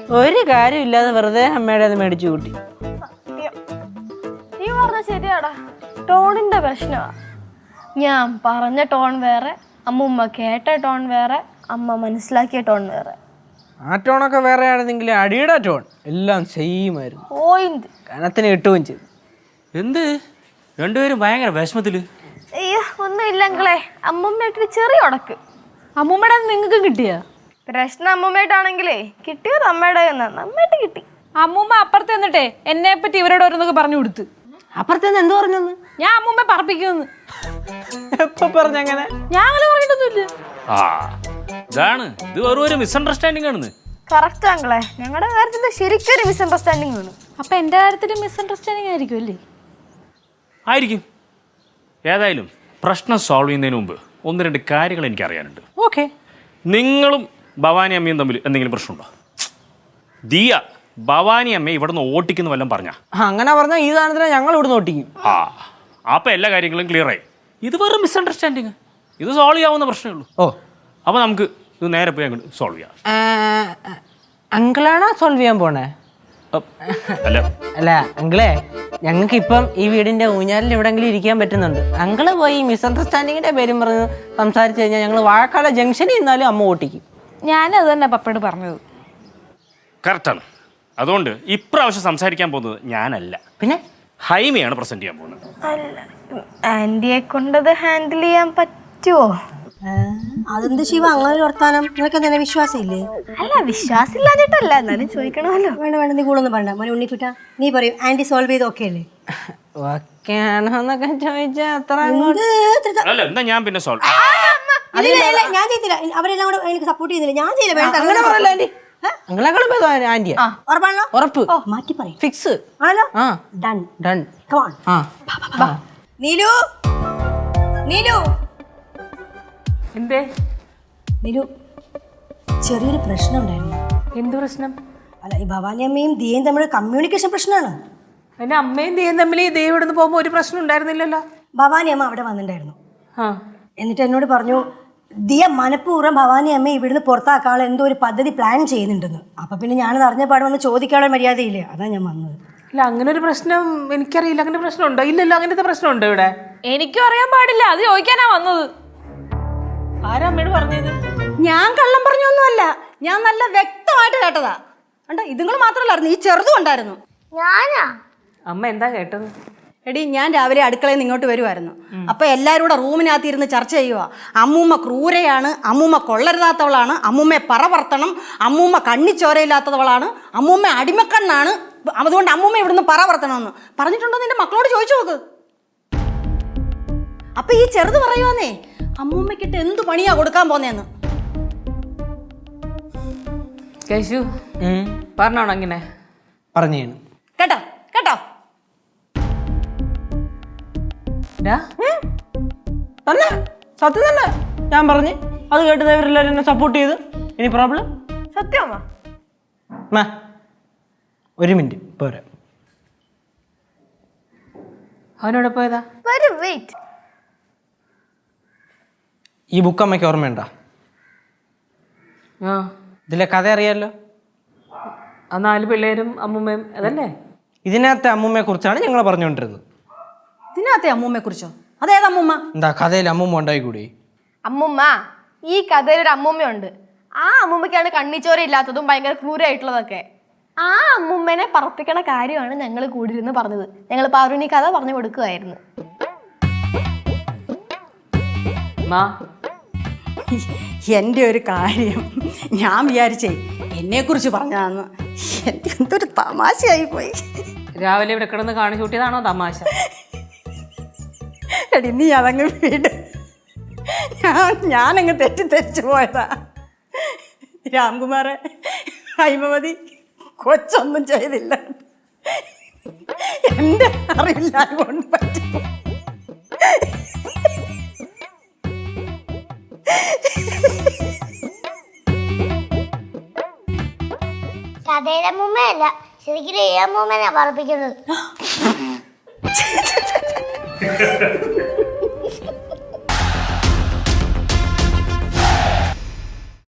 ഒരു കാര്യമില്ലാതെ വെറുതെ അമ്മയുടെ അത് മേടിച്ചു കൂട്ടി. നീ പറഞ്ഞ ശരിയാടാ, ടോണിന്റെ പ്രശ്നമാ. ഞാൻ പറഞ്ഞ ടോൺ വേറെ, അമ്മൂമ്മ കേട്ട ടോൺ വേറെ, അമ്മ മനസ്സിലാക്കിയ ടോൺ വേറെ. ആ ടോണൊക്കെ വേറെ ആണെന്നെങ്കിൽ അടിയുടെ ടോൺ എല്ലാം സെയിം ആയിരുന്നു. പോയിന്റ് കനത്തിന് കിട്ടുകയും ചെയ്തു. എന്ത് രണ്ടുപേരും ഭയങ്കര വിഷമത്തില്? അയ്യോ ഒന്നും ഇല്ലെങ്കിലേ അമ്മൂമ്മയായിട്ടൊരു ചെറിയ ഉടക്ക്. അമ്മൂമ്മയുടെ നിങ്ങൾക്ക് കിട്ടിയ പ്രശ്നം അമ്മൂമ്മയായിട്ടാണെങ്കിലേ കിട്ടിയത് അമ്മയുടെ നന്നായിട്ട് കിട്ടി. അമ്മൂമ്മ അപ്പുറത്ത് എന്നിട്ടേ എന്നെ പറ്റി ഇവരോട് ഓരോന്നൊക്കെ പറഞ്ഞു കൊടുത്ത്. അപ്പുറത്തേന്ന് എന്ത് പറഞ്ഞെന്ന്? ഞാൻ അമ്മൂമ്മ പറപ്പിക്കുന്നു. എപ്പോ പറഞ്ഞങ്ങനെ? ഞാൻ അങ്ങനെ പറഞ്ഞിട്ടൊന്നുമില്ല. ആ ഇതാണ്, ഇത് വെറും ഒരു മിസ്അണ്ടർസ്റ്റാൻഡിങ് ആണെന്ന്. കറക്റ്റ് ആങ്കളെ, ഞങ്ങളുടെ കാര്യത്തിൽ ശരിക്കും ഒരു മിസ്അണ്ടർസ്റ്റാൻഡിങ് ആണ്. അപ്പൊ എന്റെ കാര്യത്തിൽ മിസ്അണ്ടർസ്റ്റാൻഡിങ് ആയിരിക്കും അല്ലേ? ആയിരിക്കും. ഏതായാലും പ്രശ്നം സോൾവ് ചെയ്യുന്നതിന് മുമ്പ് ഒന്ന് രണ്ട് കാര്യങ്ങൾ എനിക്ക് അറിയാനുണ്ട്. ഓക്കെ. നിങ്ങളും ഭവാനി അമ്മയും തമ്മിൽ എന്തെങ്കിലും പ്രശ്നമുണ്ടോ? ദിയ ഭവാനി അമ്മയെ ഇവിടെ നിന്ന് ഓട്ടിക്കുന്ന വല്ലതും പറഞ്ഞാ? അങ്ങനെ പറഞ്ഞാൽ ഈ സാധനത്തിനെ ഞങ്ങൾ ഇവിടെ ഓട്ടിക്കും. ആ അപ്പം എല്ലാ കാര്യങ്ങളും ക്ലിയർ ആയി. ഇത് വെറും മിസ്അണ്ടർസ്റ്റാൻഡിങ്, ഇത് സോൾവ് ചെയ്യാവുന്ന പ്രശ്നമേ ഉള്ളൂ. ഓ, അപ്പോൾ നമുക്ക് ഇത് നേരെ പോയി അങ്ങോട്ട് സോൾവ് ചെയ്യാം. അങ്കിളാണോ സോൾവ് ചെയ്യാൻ പോണേ? അല്ല അല്ല അങ്കിളെ, ഞങ്ങൾക്ക് ഇപ്പം ഈ വീടിന്റെ ഊഞ്ഞാലിൽ എവിടെങ്കിലും ഇരിക്കാൻ പറ്റുന്നുണ്ട്. അങ്കിള് പോയി മിസ്അണ്ടർസ്റ്റാൻഡിങ്ങിന്റെ പേരും പറഞ്ഞ് സംസാരിച്ചു കഴിഞ്ഞാൽ ഞങ്ങൾ വാഴക്കാല ജംഗ്ഷനിൽ നിന്നാലും അമ്മ ഓട്ടിക്കും. ഞാനും അത് തന്നെ പപ്പയോട് പറഞ്ഞത്. കറക്റ്റാണ്. അതുകൊണ്ട് ഇപ്രാവശ്യം സംസാരിക്കാൻ പോകുന്നത് ഞാനല്ല, പിന്നെ ഹൈമയാണ് പ്രസന്റ് ചെയ്യാൻ പോകുന്നത്. അല്ല, ആന്റിയെ കൊണ്ടത് ഹാൻഡിൽ ചെയ്യാൻ പറ്റുമോ? അതെന്ത് ശിവ അങ്ങനെ ഒരു വർത്താനം? നിനക്ക് തന്നെ വിശ്വാസം ഇല്ലേ? അല്ല, വിശ്വാസം ഇല്ലാഞ്ഞിട്ടല്ല, എന്നാലും ചോദിക്കണമല്ലോ. വേണ്ട വേണ്ട, നീ കൂടൊന്നും പറയണ്ട. മോനെ ഉണ്ണിക്കുട്ട, നീ പറയും ആന്റി സോൾവ് ചെയ്ത് ഓക്കെ അല്ലേ? ഓക്കെ ആണോ എന്നൊക്കെ ചോദിച്ചാൽ അല്ല എന്താ ഞാൻ പിന്നെ സോൾവ് ഞാൻ ചെയ്തില്ല. അവരെല്ലാം കൂടെ എനിക്ക് സപ്പോർട്ട് ചെയ്യുന്നില്ല. ഞാൻ ചെയ്യില്ല. വേണ്ട അങ്ങനെ പറയല്ല ആന്റി. ആന്റിയാ ഉറപ്പാണല്ലോ? ഉറപ്പ്. മാറ്റി പറയും. ഫിക്സ് ആണല്ലോ? ആ ഡൺ ഡൺ. Come on. ആ നീലു, നീലു, എന്തേ? നീലു, ചെറിയൊരു പ്രശ്നം ഉണ്ടായിരുന്നു. എന്ത് പ്രശ്നം? അല്ല, ഈ ഭവാനി അമ്മയും ദിയയും തമ്മിൽ കമ്മ്യൂണിക്കേഷൻ പ്രശ്നമാണ്. എന്റെ അമ്മയും ദേയും തമ്മിൽ ദേ ഇവിടുന്ന് പോകുമ്പോൾ ഒരു പ്രശ്നം ഉണ്ടായിരുന്നില്ലല്ലോ. ഭവാനി അമ്മ അവിടെ വന്നിട്ടുണ്ടായിരുന്നു. ആ എന്നിട്ട് എന്നോട് പറഞ്ഞു ദിയ മനഃപൂർവ്വം ഭവാനി അമ്മ ഇവിടുന്ന് പുറത്താക്കാനുള്ള എന്തോ ഒരു പദ്ധതി പ്ലാൻ ചെയ്യുന്നുണ്ടെന്ന്. അപ്പം പിന്നെ ഞാനത് അറിഞ്ഞ പാട് വന്ന് ചോദിക്കാനുള്ള മര്യാദയില്ലേ, അതാ ഞാൻ വന്നത്. ഇല്ല, അങ്ങനെ ഒരു പ്രശ്നം എനിക്കറിയില്ല. അങ്ങനെ പ്രശ്നമുണ്ടോ? ഇല്ലല്ലോ, അങ്ങനത്തെ പ്രശ്നമുണ്ടോ ഇവിടെ? എനിക്കും അറിയാൻ പാടില്ല, അത് ചോദിക്കാനാ വന്നത്. ആരാ അമ്മയോട് പറഞ്ഞത്? ഞാൻ കള്ളം പറഞ്ഞൊന്നുമല്ല, ഞാൻ നല്ല വ്യക്തമായിട്ട് കേട്ടതാ. കണ്ടോ, ഇതുങ്ങൾ മാത്രമല്ലായിരുന്നു, ഈ ചെറുതും ഉണ്ടായിരുന്നു. ഞാനാ? അമ്മ എന്താ കേട്ടത്? എടി, ഞാൻ രാവിലെ അടുക്കളയിൽ നിന്ന് ഇങ്ങോട്ട് വരുമായിരുന്നു. അപ്പോൾ എല്ലാവരും കൂടെ റൂമിനകത്ത് ഇരുന്ന് ചർച്ച ചെയ്യുക. അമ്മൂമ്മ ക്രൂരയാണ്, അമ്മൂമ്മ കൊള്ളരുതാത്തവളാണ്, അമ്മൂമ്മയെ പറവർത്തണം, അമ്മൂമ്മ കണ്ണിച്ചോരയില്ലാത്തവളാണ്, അമ്മൂമ്മ അടിമക്കണ്ണാണ്, അതുകൊണ്ട് അമ്മൂമ്മ ഇവിടുന്ന് പറവർത്തണമെന്ന് പറഞ്ഞിട്ടുണ്ടോ? നിന്റെ മക്കളോട് ചോദിച്ചു നോക്ക്. അപ്പം ഈ ചെറുത് പറയുവാന്നേ അമ്മൂമ്മക്കിട്ട് എന്ത് പണിയാ കൊടുക്കാൻ പോന്നേന്ന്. കേശു പറഞ്ഞോണം അങ്ങനെ പറഞ്ഞു കേട്ടോ കേട്ടോ? തന്നെ സത്യം തന്നെ ഞാൻ പറഞ്ഞു. അത് കേട്ടത് ഇവരെല്ലാവരും എന്നെ സപ്പോർട്ട് ചെയ്തു. ഇനി പ്രോബ്ലം? സത്യമാ? ഒരു മിനിറ്റ് പോരാ. അവനോട് പോയതാ? വെയിറ്റ്, ഈ ബുക്ക് അമ്മയ്ക്ക് ഓർമ്മയുണ്ടോ? ആ, ഇതിലെ കഥ അറിയാമല്ലോ. ആ 4 പിള്ളേരും അമ്മൂമ്മയും അതല്ലേ? ഇതിനകത്തെ അമ്മൂമ്മയെ കുറിച്ചാണ് ഞങ്ങൾ പറഞ്ഞുകൊണ്ടിരുന്നത്. ഇതിനകത്തെ അമ്മൂമ്മയെ കുറിച്ചോ? അതേത് അമ്മൂമ്മ? എന്താ കഥയിൽ അമ്മൂമ്മ ഉണ്ടായി കൂടി? അമ്മൂമ്മ, ഈ കഥയിൽ ഒരു അമ്മൂമ്മയുണ്ട്. ആ അമ്മൂമ്മയ്ക്കാണ് കണ്ണിച്ചോര ഇല്ലാത്തതും ഭയങ്കര ക്രൂരമായിട്ടുള്ളതൊക്കെ. ആ അമ്മൂമ്മനെ പറപ്പിക്കണ കാര്യമാണ് ഞങ്ങൾ കൂടിയിരുന്ന് പറഞ്ഞത്. ഞങ്ങൾ പാറുവിന് ഈ കഥ പറഞ്ഞു കൊടുക്കുമായിരുന്നു. എൻ്റെ ഒരു കാര്യം ഞാൻ വിചാരിച്ചേ എന്നെക്കുറിച്ച് പറഞ്ഞാന്ന്. എനിക്ക് എന്തൊരു തമാശയായി പോയി. രാവിലെ ഇവിടെ കിടന്ന് കാണിച്ചു കൂട്ടിയതാണോ തമാശ? എടി, നീ അതങ്ങ് വീട്. ഞാനങ്ങ് തെറ്റിദ്ധരിച്ചു പോയതാ. രാംകുമാറെ, ഹൈമവതി കൊച്ചൊന്നും ചെയ്തില്ല. എൻ്റെ അറിവില്ല കൊണ്ട് പറ്റും. കഥയുടെ അമ്മൂമ്മയല്ല, ശരിക്കും ഈ അമ്മൂമ്മനെ പറപ്പിക്കുന്നത്.